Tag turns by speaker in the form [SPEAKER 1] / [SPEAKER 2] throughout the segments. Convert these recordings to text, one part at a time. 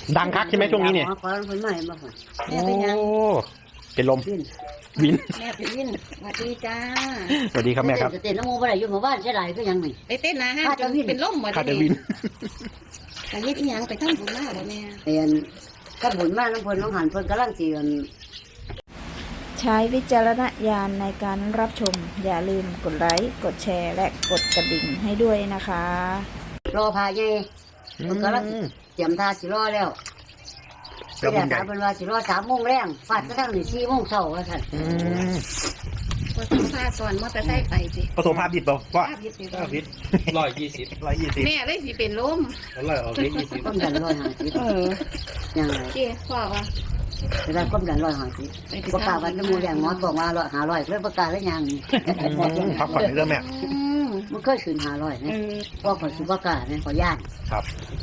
[SPEAKER 1] ดังคักใช่ไหมช่วงนี้เนี่ย
[SPEAKER 2] ขอคนใหม่มาก่อน
[SPEAKER 1] โอ้เป็นลม
[SPEAKER 2] วิน
[SPEAKER 1] วิน
[SPEAKER 2] แม่เป็นวิน
[SPEAKER 3] สวัสดีจ้า
[SPEAKER 1] สวัสดีครับแม่ครับ
[SPEAKER 2] เต้นน้ำมูบ่ได้อยู่หมู่บ้านใช่ไรก็ยังไม่
[SPEAKER 3] ไปเต้นนะฮะ
[SPEAKER 2] ข้าจะวิ่ง
[SPEAKER 3] เป็นล่มหมด
[SPEAKER 1] คาเดวิน
[SPEAKER 3] ไปเฮ็ดอีหยังไปทำบุญมาบ่แม่
[SPEAKER 2] เรียนก็บุญมากน้องพลน้องหันพลกำลังจีกัน
[SPEAKER 4] ใช้วิจารณญาณในการรับชม อย่าลืมกดไลค์ กดแชร์ และกดกระดิ่งให้ด้วยนะคะ
[SPEAKER 2] รอพาใหญ่มันกำลังเตรียมท่าสิรอแล้วไปแต่ถามเป็นว่าสิรอ3 โมงแรงฟาดกระทั่งนี่4 โมงเช้าว่าท่าน
[SPEAKER 3] ก็ต้องพาสอนมอเตอร์ไซค์ไปสิ
[SPEAKER 1] ผสมภาพดิบเปล่าว่า
[SPEAKER 3] ภาพยึดติด
[SPEAKER 5] พิษ120
[SPEAKER 3] แม่เลยสิเป็นลม
[SPEAKER 5] 100ออกพิษ20
[SPEAKER 2] ก้มดัน150ยังไง
[SPEAKER 3] เจ้พ่อว่า
[SPEAKER 2] เวลาก้มดัน150ประกาศวันน้ำมูแรงหมอบอกว่า500เพื่อประกาศแล้วยัง
[SPEAKER 1] พักผ่อนในเรื่องแม่
[SPEAKER 2] มันเคยขึ้น500นะก็ขอสุประกาศนะขอย่าน
[SPEAKER 1] ครับ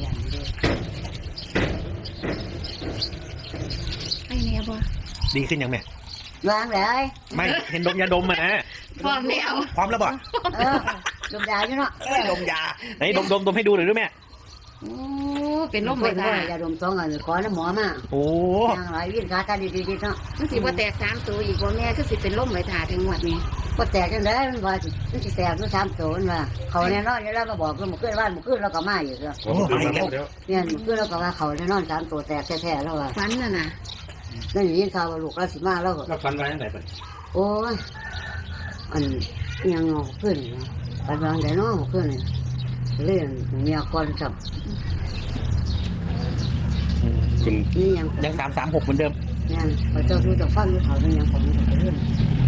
[SPEAKER 3] ไอ้แม่บ่
[SPEAKER 1] ดีขึ้นยังแม่
[SPEAKER 2] วางเลย
[SPEAKER 1] ไม่เห็นดมยาดมมานะ
[SPEAKER 3] พร้อมแล้ว
[SPEAKER 1] พร้อมแล้วบ่
[SPEAKER 2] ดมยาอยู่เนาะ
[SPEAKER 1] ดมยาไหนดมให้ดูหน่อยด้วยแม่
[SPEAKER 3] โอ้เป็นลม
[SPEAKER 2] ไม่
[SPEAKER 3] ไป
[SPEAKER 2] ได้
[SPEAKER 3] ตาย
[SPEAKER 2] าดม2 อันขอน้ำหมอมา
[SPEAKER 1] โอ้
[SPEAKER 2] อย่างไรวิ่งขาตาดีๆเนาะ
[SPEAKER 3] มันสิบ่แตก3ตัวอีกบ่แม่คือสิเป็นลมไปถ่าถึงงวดนี้
[SPEAKER 2] ก็แตกกันได้มันว่ามันจะแตกด้วย3 ตัวมันว่าเขาแน่นอนอยู่แล้วมาบอกก็มาขึ้นบ้านมาขึ้นแล้วก็มาอยู่แล้ว
[SPEAKER 1] โหมาอีกแล้ว
[SPEAKER 2] เนี่ยมาขึ้นแล้วก็ว่าเขาแน่นอน3 ตัวแตกแท้ๆแล้วว่า
[SPEAKER 3] ฝันน่ะนะ
[SPEAKER 2] นั่นอย่างนี้ข่าวว่าลูกเราสิมาแล้ว
[SPEAKER 5] แล้วฟันไว้ตั้งแต่
[SPEAKER 2] โอ้ยอันยังงอขึ้นปันวางได้น้องขึ้นเลยเรื่องเมียก่อนกับ
[SPEAKER 5] คุณ
[SPEAKER 2] นี่ยัง
[SPEAKER 1] ยัง336เหมือนเดิม
[SPEAKER 2] เนี่ยพอเจ้าดูจะฟังดูเขาเป็นยังของเรื่อง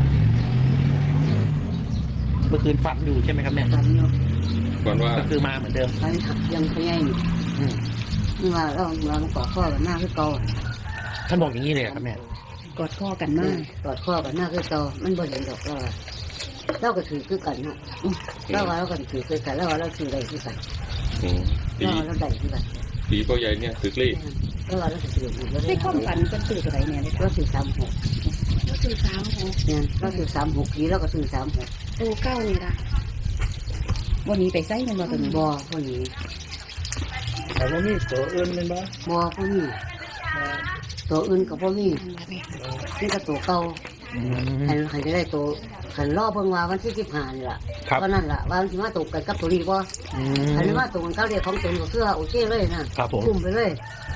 [SPEAKER 1] เมื่อคืนฝันอยู่ใช่ไหมครับแม่
[SPEAKER 2] กันเนาะ
[SPEAKER 5] ก่อนว่า
[SPEAKER 1] ก็คือมาเหมือนเดิม
[SPEAKER 2] ไปยังพยายามนี่ว่าเรากอดข้อกันหน้าคือเก่า
[SPEAKER 1] ท่านบอกอย่างนี้เลยครับแม่
[SPEAKER 3] กอดคอกันมาก
[SPEAKER 2] กอดข้อกันหน้าคือเก่ามันบ่เห็นดอกเราก็ถือคือกันเนาะเราว่าเราก็ถือคือกันเราว่าเราถือได้คือกัน
[SPEAKER 5] ปี
[SPEAKER 2] เราว่าเราได้คือกัน
[SPEAKER 5] ปีพ่อใหญ่เนี่ยตึกเลข
[SPEAKER 2] เราว่าเราถืออยู่เรา
[SPEAKER 3] ใน
[SPEAKER 2] ได้
[SPEAKER 3] ความฝันเป็นตื่นอะไรแม่เลย
[SPEAKER 2] เราถือ36
[SPEAKER 3] ก็คือ3
[SPEAKER 2] เนี่ยเราถือ36ปีเราก็ถือ36
[SPEAKER 3] ตัวเก้านี่ล่ะวันนี้ไปไสกันบ่ตัวนี้
[SPEAKER 2] บ่พวกนี้
[SPEAKER 5] แต่ว่ามีตัวอื่นเป็นบ้า
[SPEAKER 2] บ่พวกนี้ตัวอื่นกับพวกนี้นี่ก็ตัวเก่าใครจะได้ตัวขันรอบเพิ่งว่าวันที่15นี่ล่ะ
[SPEAKER 1] ครับ
[SPEAKER 2] ก็นั่นล่ะว่ามันสิมาตกกันกับตัวนี้บ่อันนี้มาตกกันเขาเรียกของตัวก็คือโอเคเลยนะครับ
[SPEAKER 1] ผม
[SPEAKER 2] คุมไปเลย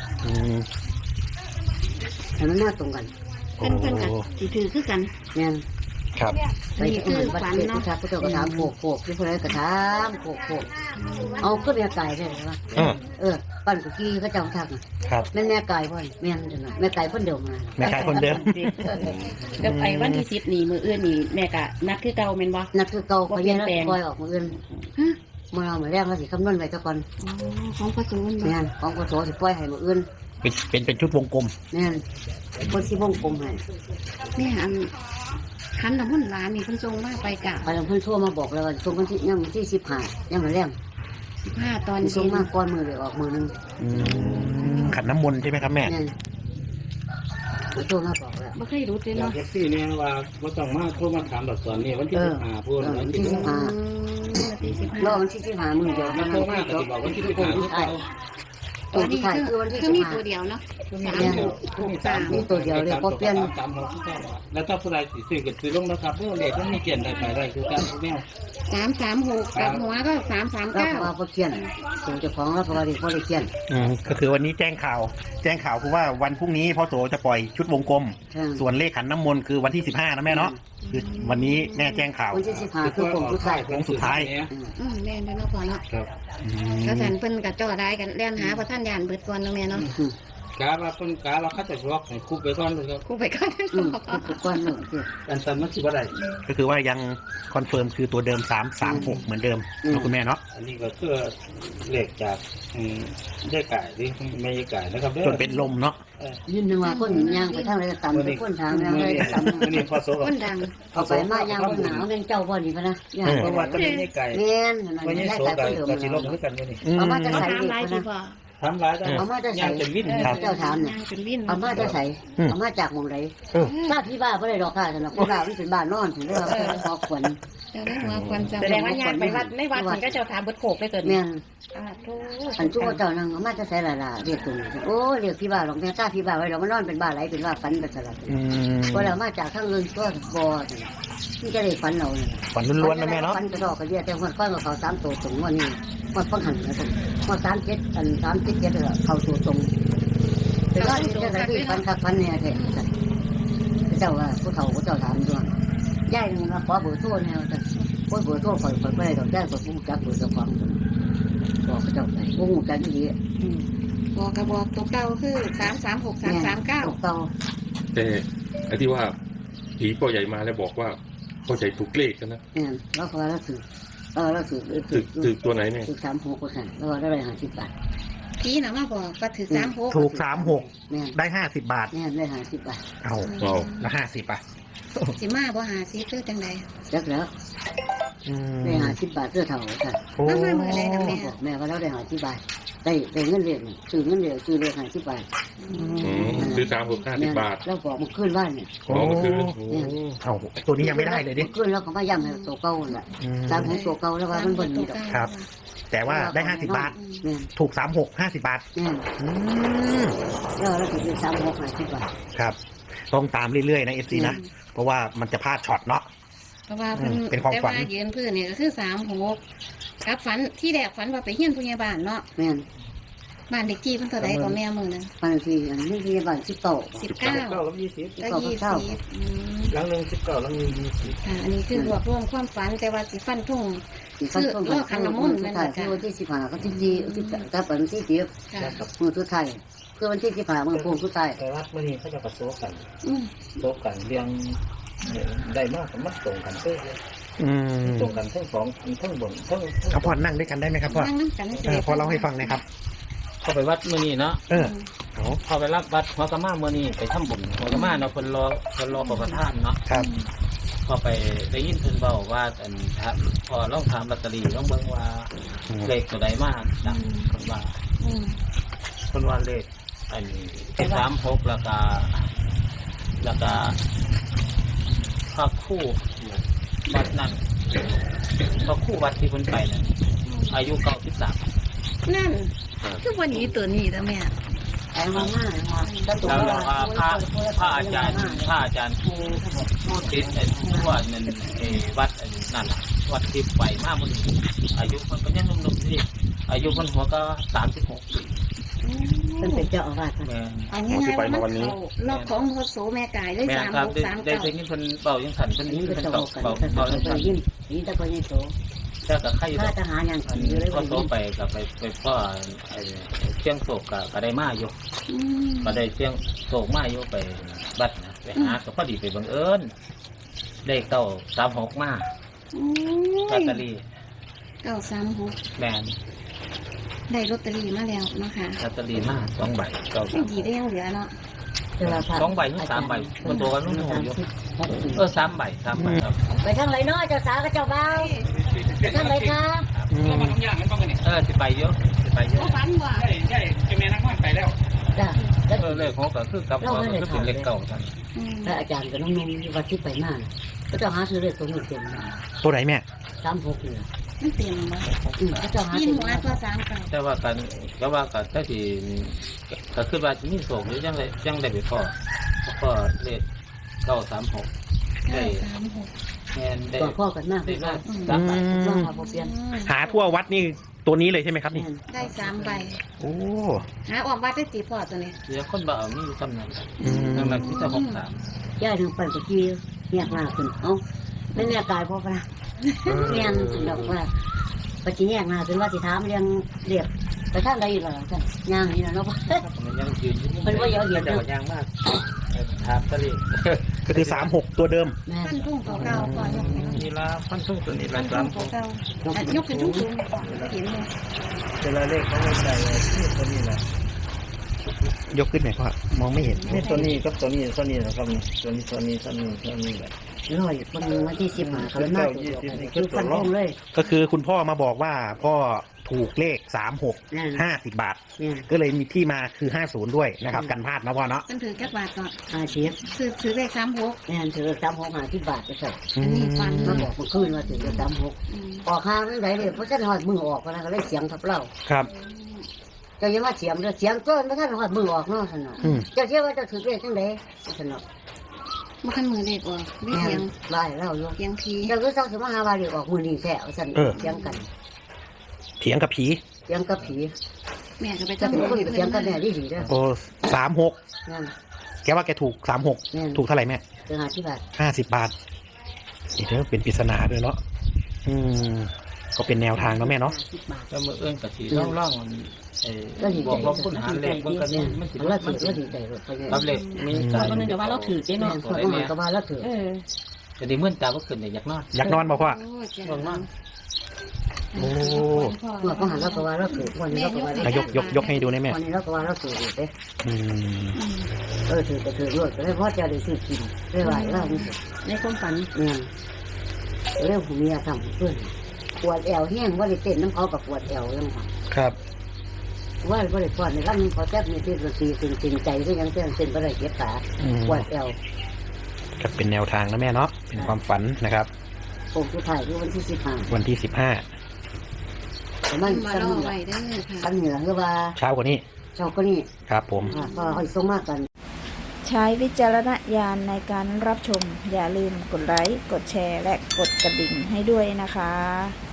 [SPEAKER 2] อันนั้นมาตรงกัน
[SPEAKER 1] โอ้
[SPEAKER 3] เพิ่นก็สิถือคือกัน
[SPEAKER 2] เนี่ย
[SPEAKER 1] ครับ
[SPEAKER 2] ไปที่อื่นวัดเทศพุทธพุทธกระถามโขกที่คนไหนกระถามโขกเอาก็แม่ไก่ได้ไหมวะปั้นกุกี้ก็เจ้าทัก
[SPEAKER 1] ครับ
[SPEAKER 2] แม่ไก่พ่อนแม่จังแม่ไก่พ่นเดิมมา
[SPEAKER 1] แม่กายคนเดิม
[SPEAKER 3] เดี๋ยวไปวันที่10นี่มื้ออื่นนี่แม่ก็นัดคือเก่าแม่นบ่
[SPEAKER 2] นักคือเก่าพยันแล้วปล่อยออกมืออื่นมาเอามาแรกมาสิคำนวณไว้ตะกอน
[SPEAKER 3] ของประตูมันบ่
[SPEAKER 2] แม่ของกระโถสิปล่อยให้มืออื่น
[SPEAKER 1] เป็นชุดวงกลม
[SPEAKER 2] แม่คนที่วงกลมให้
[SPEAKER 3] แม่อันคันน้ำมันต์หลานนี่เพิ่นส่งมาไปกะ
[SPEAKER 2] ไปลำพูนทั่วมาบอกแล้วว่าส่งวันที่ยังวันที่15ยังมาแรง
[SPEAKER 3] 15ตอน
[SPEAKER 2] ส่
[SPEAKER 3] เย็
[SPEAKER 2] ง
[SPEAKER 3] น
[SPEAKER 2] มาก้อนมือเลยออกมือนึง
[SPEAKER 1] ขันน้ำมนต์ใช่ไหมครับแม่
[SPEAKER 2] แม่ทั่วมาบอกแล้ว
[SPEAKER 3] บ่เคยรู้เลย
[SPEAKER 5] อยาก
[SPEAKER 3] เนาะ
[SPEAKER 5] เก็บซี่เนี่ยว่าว่าต้องมาโทรมาถามดอกสอนนี่วันที่15พูดวันที่
[SPEAKER 3] วันที่
[SPEAKER 2] รอวันที่15มือเดียว
[SPEAKER 5] มันโทรมาก็สิบอกวันที่15ที่ไทย
[SPEAKER 3] 15ตัวนี้คือมีตัวเดียวเนาะ3
[SPEAKER 2] นี่ตัวเดียวเลยพอเปลี่ยน
[SPEAKER 5] แล้วถ้าผู้ใดสิซื้อก็ซื้อลงนะครับเพราะเลขมันมีเกียนได้ไปได้คือการแมว
[SPEAKER 3] 336กับหัวก็
[SPEAKER 2] แล้วพอเขียนส่งเจ้าของแล้วพอดีพอได้เขียน
[SPEAKER 1] ก็คือวันนี้แจ้งข่าวคือว่าวันพรุ่งนี้พ่อโสจะปล่อยชุดวงกลม ส่วนเลขขันน้ำมนต์คือวันที่15นะแม่เนาะคือวันนี้แม่แจ้งข่าว
[SPEAKER 2] วันที่15คือผมทุกสาย
[SPEAKER 1] โค้งสุดท้าย
[SPEAKER 3] แม่นได้เนาะพอเนาะ
[SPEAKER 5] ครับ
[SPEAKER 3] ก็สันเพิ่นก็จ่อได้กันแล่นหาเพราะท่านยานเบิดก่อนเนาะแม่เนาะ
[SPEAKER 5] กาว่าเพิ่นกาว่าเขาจะล็อกให้คุบไปก่อนเลยครับ
[SPEAKER 3] กูไปก่อน
[SPEAKER 2] ทุกก้อนหนึ่งคือ
[SPEAKER 5] อันสันมันสิบ่ได้
[SPEAKER 1] ก็คือว่ายังคอนเฟิร์มคือตัวเดิม336เหมือนเดิมเนาะคุณแม่เนาะ
[SPEAKER 5] อันนี้ก็คือเลขจากได้ไก่ที่ไม่ได้ไก่นะครับเด้อ
[SPEAKER 1] จนเป็นลมเนาะ
[SPEAKER 2] ยืนนึงว่าคนย่างไปทางไรก็ต่ำไปคนทางย่างไรก็ต่ำ
[SPEAKER 5] อันนี้พอโซกับ
[SPEAKER 3] คนดัง
[SPEAKER 2] เอาไปมาย่างคนหนาวเงินเจ้าบ่นี่พะนะย่าง
[SPEAKER 5] เพราะว่าตอนนี้ไก่
[SPEAKER 2] เงี้ยนั่น
[SPEAKER 5] ไม่ใช่
[SPEAKER 2] ได้
[SPEAKER 5] โซ
[SPEAKER 2] แต่
[SPEAKER 5] กั
[SPEAKER 2] ค
[SPEAKER 5] บ
[SPEAKER 2] นเดิม
[SPEAKER 5] กับสิลงด้วยกันอยู่นี่
[SPEAKER 2] เอามาจะ
[SPEAKER 3] เขา
[SPEAKER 2] ใส่
[SPEAKER 3] ถาม
[SPEAKER 2] ดี
[SPEAKER 3] หลาย
[SPEAKER 2] พะ
[SPEAKER 3] สิ
[SPEAKER 2] นะ
[SPEAKER 3] บ่
[SPEAKER 5] ทำร้ายได้
[SPEAKER 2] เอามาจะใส่
[SPEAKER 5] ย่างเป็นวิน
[SPEAKER 2] เจ้าถามเนี่ย
[SPEAKER 3] นางเป็นวิน
[SPEAKER 2] เอามาจะใส่เอามาจากหมองไหน
[SPEAKER 1] เออ
[SPEAKER 2] ทราบที่บ้านไม่ได้ดอกค่ะสำหรับคนบ้านมันเป็นบ้านนอนถึงได้ว่าพอควร
[SPEAKER 3] เจ้าได้หัวควันจำ
[SPEAKER 6] แสดงว่ายางไปวัดในวัดมันก็จะถามเบิดโขกเลยตัว
[SPEAKER 2] แม่
[SPEAKER 6] นี้
[SPEAKER 2] น
[SPEAKER 6] โอ้
[SPEAKER 2] อันจุกเจ้านั่งเอามาจะใส่ละเรียกตุ่มโอ้เรียกพี่บ้านหลวงแม่ทราบพี่บ้านไว้เรามันนอนเป็นบ้านไหลเป็นว่าฝันเป็นสลับ
[SPEAKER 1] อืม
[SPEAKER 2] พอเรามาจากทางอื่นก็บ่ที่จะได้ฝันเราเนี่ย
[SPEAKER 1] ฝันล้วนๆนะแม่เนาะ
[SPEAKER 2] ฝันกระดอกกระเดียแต่วันก้อนกับเขา3ตัวตรงวันนี้วันฟังหันนะตรงวัน37อัน37เขาตัวตรงแต่ว่าที่จะได้ฝันคักฝันเนี่ยแท้เจ้าว่าผู้เฒ่าผู้เจ้าถามด้วยย่ายนึงมาขอเบอร์โทรแนวแต่โอ้ยเบอร์โทรข่อยไปดอกย่ายก็ผู้จักเบอร์เจ้าของบอกเขาเจ้าไปผู้จักดี
[SPEAKER 3] บอกกระบอกตัวเก่าคือ336 339
[SPEAKER 2] เก่า
[SPEAKER 7] แต่ไอ้ที่ว่าผีพ่อใหญ่มาแล้วบอกว่าพ่อใหญ่ถูกเลขกันนะ
[SPEAKER 2] เนี่ยแล้วเขาแล้วถือแล้วถือ
[SPEAKER 7] ถึกตัวไหนเนี่ย
[SPEAKER 2] ถือ36%แล้วได้50 บาท
[SPEAKER 3] พี่น่ะมาบอกว่าถือ36
[SPEAKER 1] ถูก36
[SPEAKER 2] เนี่ย
[SPEAKER 1] ได้50 บาท
[SPEAKER 2] เนี่ยได้50 บาท
[SPEAKER 1] เอา
[SPEAKER 7] เอา
[SPEAKER 1] แล้ว50 อ่ะ
[SPEAKER 3] สิมาบ่หาซิคือจังได๋
[SPEAKER 2] จักแล้ว
[SPEAKER 1] อืม
[SPEAKER 2] ได้50 บาทเสื้อเท่าค่ะ
[SPEAKER 1] โอ้
[SPEAKER 3] มามื้อใดนะแม่
[SPEAKER 2] บอกแม่ว่าเราได้50 บาทได้เงินเรียนซื้อเงินเรียนซื้อเลย50 บาท
[SPEAKER 7] ซื้อ350 บาท
[SPEAKER 2] แล้วบอกมันขึ้นบ้านเนี่ย
[SPEAKER 1] โอ้
[SPEAKER 7] อ๋อมันคือโอ้
[SPEAKER 1] เอาตัวนี้ยังไม่ได้เลยดิ
[SPEAKER 2] ขึ้นแล้วก็มาย้ำให้ตัวเก่าแหละ
[SPEAKER 1] อืม
[SPEAKER 2] ตามของตัวเก่าแล้วว่ามันบ่มีดอก
[SPEAKER 1] ครับ แต่ว่าได้50 บาท
[SPEAKER 2] แม่น
[SPEAKER 1] ถูก36 50 บาท
[SPEAKER 2] แม่น
[SPEAKER 1] อืม
[SPEAKER 2] แล้วเราถือ36 50 บาท
[SPEAKER 1] ครับ ต้องตามเรื่อยๆนะ FC นะ เพราะว่ามันจะพลาดช็อตเนาะ
[SPEAKER 3] เพราะว่าเพิ่น
[SPEAKER 1] เป็นความฝัน
[SPEAKER 3] แต่ว่ายืนพื้นนี่ก็คือ36กับฝันที่แรกฝันว่าไปเฮียนผู้ใหญ่บ้านเนาะ
[SPEAKER 2] แม่น
[SPEAKER 3] บ้านเด็กที่เพิ่นเท่าใดก็แม่มื้อนั้น
[SPEAKER 2] บางทีอันนี้ที่บ้าน19
[SPEAKER 3] 19
[SPEAKER 5] กับ20
[SPEAKER 3] แล้ว20อืม
[SPEAKER 5] หลังหนึ่ง19หลังหนึ่ง20
[SPEAKER 3] ค่ะอันนี้คือรวบรวมความฝันแต่ว่าสิฟันทุ่ง
[SPEAKER 2] ที่ฟันต้นขันน้ำมนต์แม่นบ่ค่ะวันที่15กับที่4กับวันที่10
[SPEAKER 3] ค่ะ
[SPEAKER 2] มือสุดท้ายคือวันที่15มือพวงสุดท้าย
[SPEAKER 5] แต่วัดเมื่อนี้เขาจะประโซกัน
[SPEAKER 3] อืม
[SPEAKER 5] โซกันเรียงได้มากกับมัดตรงกันเพื่อ
[SPEAKER 1] อืม
[SPEAKER 5] ตรงกันทั้งสองทั้งบนทั้ง
[SPEAKER 1] เอาพ่อนั่งด้วยกันได้ไหมครับพ่อ
[SPEAKER 3] นั่งน้ำกัน
[SPEAKER 1] พอเล่าให้ฟังหนะครับ
[SPEAKER 8] เข้าไปวัดมื้อนี้เนาะ
[SPEAKER 1] เออเอา
[SPEAKER 8] เข้าไปรับวัดหัวกะมามื้อนี้ไปทำบุญหัวกะมาเนาะเพิ่นรอประทานเนาะ
[SPEAKER 1] ครับ
[SPEAKER 8] พอไปได้ยินเพิ่นเว้าว่าอันพอลองถามลอตเตอรี่ลองเบิ่งว่าเลขตัวใดมาดังเพิ่นว่า
[SPEAKER 3] อืม
[SPEAKER 8] เพิ่นว่าเลขอัน36แล้วก็พระคู่วัดนั้นพระคู่วัดที่เพิ่นไปนั่นอายุ93
[SPEAKER 3] นั่นคือวันนี้ตัวนี้แล้วแม่
[SPEAKER 2] ไอ้มาม่าแล้วตัว
[SPEAKER 8] แล้วพระอาจารย์ผู้ติดไอ้ผู้ว่านั่นวัดอันนั่นน่ะวัดที่ไปมามื้อนี้อายุมันก็ยังหนุ่มๆนี่อายุมันหัวก็36ปี
[SPEAKER 2] เป็นเจ้าอาวาส
[SPEAKER 8] แม่น
[SPEAKER 3] เอาง่ายๆว่ามันเขาล็อกของโคโสแม่กายเลย
[SPEAKER 8] แม่นครับได้ได้ยินเพิ่นเบายังสั่นเพิ่น
[SPEAKER 2] นี่
[SPEAKER 8] นี่
[SPEAKER 2] ก็
[SPEAKER 8] เพิ่น
[SPEAKER 2] จะ
[SPEAKER 8] เบา
[SPEAKER 2] บอกกัน
[SPEAKER 8] เบา
[SPEAKER 2] แต่
[SPEAKER 8] เบา
[SPEAKER 2] เรา
[SPEAKER 8] ยัง
[SPEAKER 2] ไป
[SPEAKER 8] สั่น
[SPEAKER 2] ยิ้มนี่ตะโกนยิ่งโต
[SPEAKER 8] แต่ก็ใคร
[SPEAKER 2] ถ้าทหารยัง
[SPEAKER 8] อัน
[SPEAKER 2] อยู่เลย
[SPEAKER 8] ก็
[SPEAKER 2] ว่า
[SPEAKER 8] โตไปก็ไปพ่อเชียงโศกก็ได้มาอยู่
[SPEAKER 3] อืม
[SPEAKER 8] ก็ได้เชียงโศกมาอยู่ไปบัดนะไปหาก็พอดีไปบังเอิญได้เก้า36มาลอตเตอรี่
[SPEAKER 3] 936
[SPEAKER 8] แม่น
[SPEAKER 3] ได้ลอตเตอรี่มาแล้วเนาะค่ะ
[SPEAKER 8] ลอตเตอรี่มา2ใบเก้า
[SPEAKER 3] ยังดีได้ยังเหลือเนาะ
[SPEAKER 8] 2ใบหรือ3ใบมันตัวกันนู่นอยู่3ใบ3ใบครับ
[SPEAKER 2] ไปทางไหนเนาะเจ้าสาวกับเจ้าบ่าวไปทางไหนคะ
[SPEAKER 8] สิไปเยอะสิไปเยอะ
[SPEAKER 3] บ่ฝันว่า
[SPEAKER 5] ใช่แม่นักมันไปแล้ว
[SPEAKER 2] จ้า
[SPEAKER 8] เลขของก็คือกับก็คือเป็นเลขเก่ากัน
[SPEAKER 3] อืม
[SPEAKER 2] พระอาจารย์กับน้องๆวัดที่ไปมาก็เจ้าหาซื้อเลขตัวนี้เต็ม
[SPEAKER 1] ตัวไหนแม่
[SPEAKER 2] 36เนี่ย
[SPEAKER 3] มันเต็มบ่
[SPEAKER 2] ก็เจ้าหา
[SPEAKER 3] ยิน
[SPEAKER 2] เต็ม
[SPEAKER 3] หัวตัว39
[SPEAKER 8] แต่ว่ากันถ้าที่ก็คือว่ามีโศกหรือยังได้ไปพ่อเลข936ได้
[SPEAKER 3] 936
[SPEAKER 8] แม่นได้
[SPEAKER 2] ตัวพ่อกันมาก
[SPEAKER 8] ได้
[SPEAKER 2] ว่า
[SPEAKER 8] มา3ใบ
[SPEAKER 2] ว่ามาบ่เปลี่ยน
[SPEAKER 1] หาทั่ววัดนี่ตัวนี้เลยใช่ไหมครับนี่
[SPEAKER 3] ได้3ใบ
[SPEAKER 1] โอ้
[SPEAKER 3] หาออกวัดได้ตีพอตัวนี้
[SPEAKER 8] เดี๋ยวคนบ่เอามีอยู่จำนั้น
[SPEAKER 1] อืม
[SPEAKER 8] ดังนั้นที่จะ63
[SPEAKER 2] ย่าถึงไปตะกี้แยกหน้าขึ้นเอ้าไม่แน่กายพ่อปะเรียนดอกว่าปะจิแยกหน้าขึ้นว่าสิถามเรียงเรียกไปทางใดล่ะจ้ะย่างนี่นะเนาะ
[SPEAKER 8] มันยังยืนอยู่
[SPEAKER 2] มันว่าเยอะเห็น
[SPEAKER 8] แต่ว่ายังมากถามตะลี
[SPEAKER 1] ก็คือ36ตัวเดิม
[SPEAKER 2] แม่
[SPEAKER 3] ท่านทุ่งตัวเก่าก่อนยกไป
[SPEAKER 8] นี่ละพันทุ่งตัวนี้ละ
[SPEAKER 3] ท่านทุ่งตัวเก่าอ่ะยกขึ้นทุ่งก่อนเห็นเลย
[SPEAKER 5] เวลาเลขเขาไม่ใส่ที่ตัวนี้แหละ
[SPEAKER 1] ยกขึ้นหน่อยพ่อมองไม่เห็น
[SPEAKER 5] นี่ตัวนี้กับตัวนี้นะครับตัวนี้แหละ
[SPEAKER 2] ร้อยวันที่15เขาหน้าตัวคือฟันธงเลย
[SPEAKER 1] ก็คือคุณพ่อมาบอกว่าพ่อถูกเลข36
[SPEAKER 2] นั่น
[SPEAKER 1] 50 บาท
[SPEAKER 2] เนี่ย
[SPEAKER 1] ก็เลยมีที่มาคือ50ด้วยนะครับกันพลาดนะพ่อเนาะ
[SPEAKER 3] มันถือแค่บาทก่อน
[SPEAKER 2] 50
[SPEAKER 3] ซื้อเลข36
[SPEAKER 2] เนี่ยถือ36 50 บาทไปใส่
[SPEAKER 3] อันนี้ฟัน
[SPEAKER 2] มาบอกเมื่อคืนว่าถือ36
[SPEAKER 3] อืม
[SPEAKER 2] ออกห้างไหนเลยเพราะฉันหอดมือออกนะก็เลยเสียงทับเล่า
[SPEAKER 1] ครับ
[SPEAKER 2] เจ้าอย่ามาเสียงเสียงต้นไม่ทันหอดมือออกเนาะสนอ
[SPEAKER 1] อืม
[SPEAKER 2] เจ้าเชื่อว่าเจ้าถือเลขจังไดสนอ
[SPEAKER 3] บ่คันมือเลขออกไม่เสียง
[SPEAKER 2] ไล่เล่าอยู่
[SPEAKER 3] เสียงผี
[SPEAKER 2] เจ้าก็ต้องสมาหาว่าเลขออกมือนี่แท้สันเสียงกัน
[SPEAKER 1] เถียงกับผี
[SPEAKER 2] เสียงกับผี
[SPEAKER 3] แม่ก็ไป
[SPEAKER 2] เจ้า
[SPEAKER 3] ทำ
[SPEAKER 2] เป็นคนเสียงกันแน่ดีเด้อ
[SPEAKER 1] โอ้36
[SPEAKER 2] นั่น
[SPEAKER 1] แกว่าแกถูก36
[SPEAKER 2] แม่น
[SPEAKER 1] ถูกเท่าไหร่แม่
[SPEAKER 2] จะหาที่บาท
[SPEAKER 1] 50 บาทนี่เด้อเป็นปริศนาด้วยเนาะก็เป็นแนวทางเนาะแม่เนาะ
[SPEAKER 2] 50 บาท
[SPEAKER 8] แล้วมือเอื้อนกับสีร่องๆมันบอกว่าคุณหาเลขมันก็นี่มันสิ
[SPEAKER 2] แล้ว
[SPEAKER 8] มัน
[SPEAKER 2] ถื
[SPEAKER 8] สิ
[SPEAKER 2] อดีใจเลยไปเลย
[SPEAKER 8] รับเลขมีการ
[SPEAKER 6] คนนึงเดี๋ยวว่าเราถือเจ๊
[SPEAKER 2] แม่
[SPEAKER 6] เนาะ
[SPEAKER 2] คนมันก็ว่าแล้วถือ
[SPEAKER 8] แต่ดีเมื่อตาก็ขึ้นเนี่ยอยากนอน
[SPEAKER 1] อยากนอนบอกว่า
[SPEAKER 3] โอ้จ้ะ
[SPEAKER 8] ง่วงนอน
[SPEAKER 1] โอ้
[SPEAKER 2] เมื่อก็หันแล้วก็ว่าแล้วถือวันนี้แล้วก็ว่า
[SPEAKER 1] อ่ะยกให้ดูได้แม่
[SPEAKER 2] วันนี้แล้วก็ว่าแล้วถือเด้
[SPEAKER 1] อืม
[SPEAKER 2] ถือก็ถือด้วยก็เลยเพราะจะได้ซื้อกินได้ไหวแล้วนี่
[SPEAKER 6] ในความฝัน
[SPEAKER 2] เนี่ยเรื่องผมมีอาทำเพื่อนปวดแอวแห้งว่าได้เต้นน้ำเขากับปวดแอวยังค่ะ
[SPEAKER 1] ครับ
[SPEAKER 2] ว่าได้ปวดในร่างเขาแทบมีที่ดนตรีตึงใจก็ยังเต้นก็ได้เจ็บขา
[SPEAKER 1] อืม
[SPEAKER 2] ปวดแอว
[SPEAKER 1] ก็เป็นแนวทางนะแม่เนาะเป็นความฝันนะครับ
[SPEAKER 2] ผมจะถ่ายที่วันที่15
[SPEAKER 1] วันที่
[SPEAKER 2] แต่มัน
[SPEAKER 3] มา
[SPEAKER 2] สั้น
[SPEAKER 3] รอ
[SPEAKER 2] เหนือ
[SPEAKER 3] ไว้เด้อค่ะ
[SPEAKER 2] สั้นเหนือคือว่า
[SPEAKER 1] 15 เช้ากว่านี้
[SPEAKER 2] เจ้าก็นี่
[SPEAKER 1] ครับผม
[SPEAKER 2] ก็ค่อยส่งมากกัน
[SPEAKER 4] ใช้วิจารณญาณในการรับชม อย่าลืมกดไลค์ กดแชร์ และกดกระดิ่งให้ด้วยนะคะ